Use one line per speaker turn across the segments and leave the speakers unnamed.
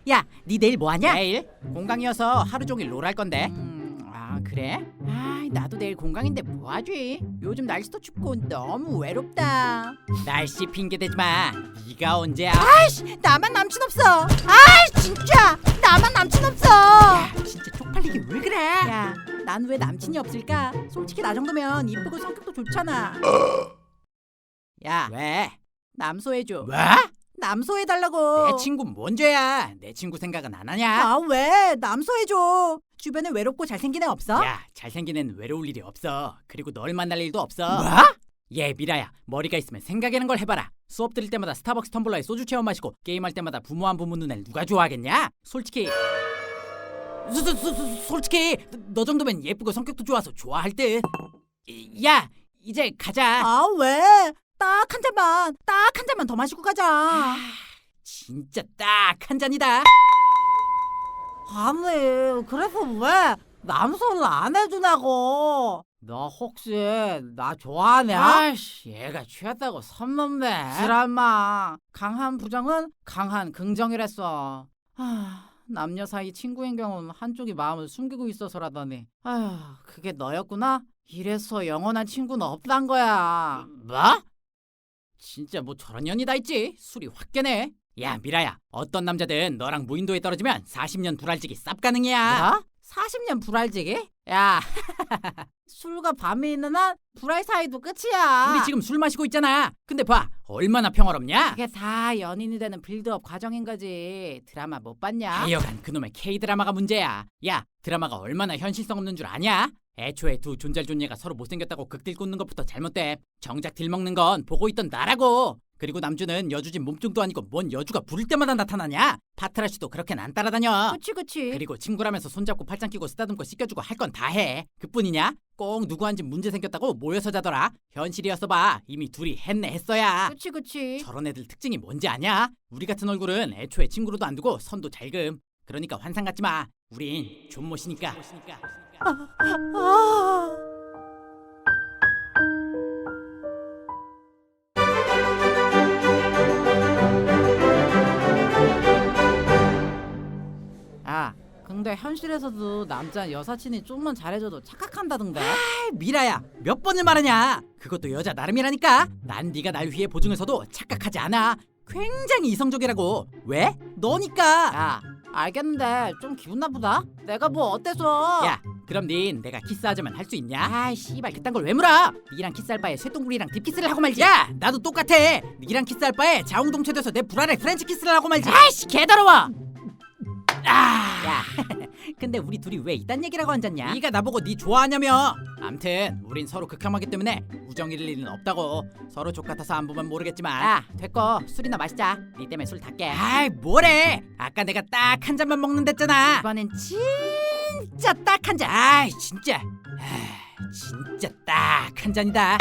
야, 니 내일 뭐 하냐?
내일? 공강이어서 하루 종일 롤 할 건데.
아, 그래? 아, 나도 내일 공강인데 뭐 하지? 요즘 날씨도 춥고 너무 외롭다.
날씨 핑계 대지 마. 네가 언제야?
아이씨, 나만 남친 없어. 아이, 진짜 나만 남친 없어.
야, 진짜 쪽팔리게 왜 그래?
야, 난 왜 남친이 없을까? 솔직히 나 정도면 이쁘고 성격도 좋잖아. 야,
왜?
남소해줘.
뭐?
남소해달라고.
내 친구 뭔 죄야? 내 친구 생각은 안 하냐?
아, 왜? 남소해줘. 주변에 외롭고 잘생긴 애 없어?
야, 잘생긴 애는 외로울 일이 없어. 그리고 널 만날 일도 없어.
뭐?
얘 미라야, 머리가 있으면 생각하는 걸 해봐라. 수업 들을 때마다 스타벅스 텀블러에 소주 체험 마시고 게임할 때마다 부모한 부모 눈을 누가 좋아하겠냐? 솔직히 솔직히 너 정도면 예쁘고 성격도 좋아서 좋아할 듯. 야, 이제 가자.
아, 왜? 딱 한 잔만 더 마시고 가자.
진짜 딱 한 잔이다.
아니, 그래서 왜 남소를 안 해주냐고. 너 혹시 나 좋아하냐?
아이씨, 얘가 취했다고 선 넘네.
드라마 강한 부정은 강한 긍정이랬어. 남녀 사이 친구인 경우는 한쪽이 마음을 숨기고 있어서라더니 그게 너였구나? 이래서 영원한 친구는 없단 거야.
뭐? 진짜 뭐 저런 년이 다 있지. 술이 확 깨네. 야, 미라야, 어떤 남자든 너랑 무인도에 떨어지면 40년 불알지기 쌉 가능이야.
뭐? 40년 불알지기? 야, 술과 밤이 있는 한 불알 사이도 끝이야.
우리 지금 술 마시고 있잖아. 근데 봐, 얼마나 평화롭냐?
그게 다 연인이 되는 빌드업 과정인 거지. 드라마 못 봤냐?
하여간 그놈의 K-드라마가 문제야. 야, 드라마가 얼마나 현실성 없는 줄 아냐? 애초에 두 존잘존예가 서로 못생겼다고 극딜 꽂는 것부터 잘못돼. 정작 딜 먹는 건 보고 있던 나라고. 그리고 남주는 여주진 몸뚱도 아니고 뭔 여주가 부를 때마다 나타나냐? 파트라쉬도 그렇게는 안 따라다녀.
그치.
그리고 친구라면서 손잡고 팔짱 끼고 쓰다듬고 씻겨주고 할 건 다 해. 그뿐이냐? 꼭 누구한테 문제 생겼다고 모여서 자더라. 현실이었어 봐. 이미 둘이 했어야.
그치.
저런 애들 특징이 뭔지 아냐? 우리 같은 얼굴은 애초에 친구로도 안 두고 선도 잘 금. 그러니까 환상 갖지 마. 우린 존못이니까.
근데 현실에서도 남자 여사친이 좀만 잘해줘도 착각한다던데.
미라야, 몇 번을 말하냐? 그것도 여자 나름이라니까. 난 네가 날 위해 보증을 서도 착각하지 않아. 굉장히 이성적이라고. 왜? 너니까.
야, 알겠는데 좀 기분 나쁘다. 내가 뭐 어때서?
야, 그럼 닌 내가 키스하자면 할 수 있냐? 아이 씨발, 그딴 걸 왜 물어? 니랑 키스할 바에 쇠똥구리랑 딥키스를 하고 말지. 야, 나도 똑같아. 니랑 키스할 바에 자웅동체 돼서 내 불알에 프렌치 키스를 하고 말지. 아이씨, 개더러워. 야, 근데 우리 둘이 왜 이딴 얘기라고 앉았냐? 네가 나보고 네 좋아하냐며. 암튼 우린 서로 극혐하기 때문에 우정 잃을 일은 없다고. 서로 족같아서 안 보면 모르겠지만.
야, 됐고 술이나 마시자. 니 때문에 술 다 깨.
아이, 뭐래? 아까 내가 딱 한 잔만 먹는댔잖아.
이번엔 진짜 딱 한 잔.
아이, 진짜. 진짜 딱 한 잔이다.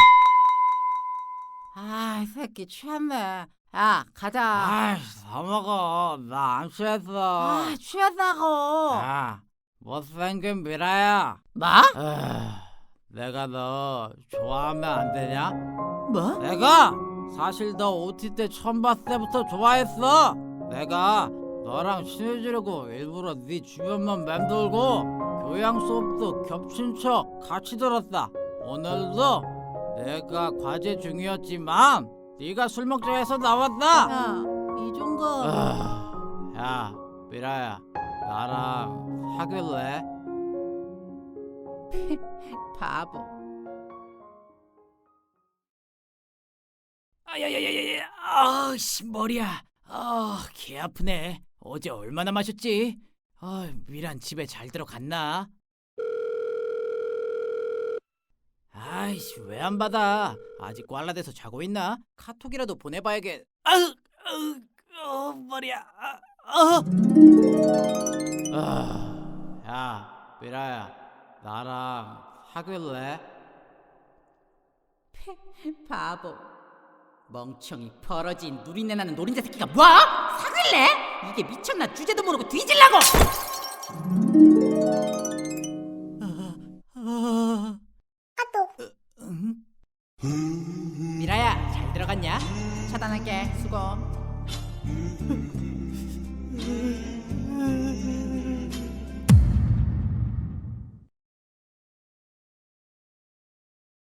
이 새끼 취했네. 야, 가자.
아이, 다 먹어. 나 안 취했어.
취했다고.
야, 못생긴 미라야.
뭐?
내가 너 좋아하면 안 되냐?
뭐?
내가 사실 너 OT 때 처음 봤을 때부터 좋아했어. 내가 너랑 친해지려고 일부러 네 주변만 맴돌고 교양 수업도 겹친 척 같이 들었다. 오늘도 내가 과제 중이었지만 네가 술 먹자 해서 나왔다.
야, 이종거.
야, 미라야, 나랑 사귈래?
바보.
야야야야야, 씨, 머리야. 개 아프네. 어제 얼마나 마셨지? 미란 집에 잘 들어갔나? 아이씨, 왜 안 받아? 아직 꽐라돼서 자고 있나? 카톡이라도 보내봐야겠. 머리야. 야, 미라야, 나랑 사귈래?
바보.
멍청이, 벌어진, 누린내 나는 노린자 새끼가 뭐? 사귈래? 이게 미쳤나? 주제도 모르고 뒤질라고! 미라야, 잘 들어갔냐?
차단할게. 수고.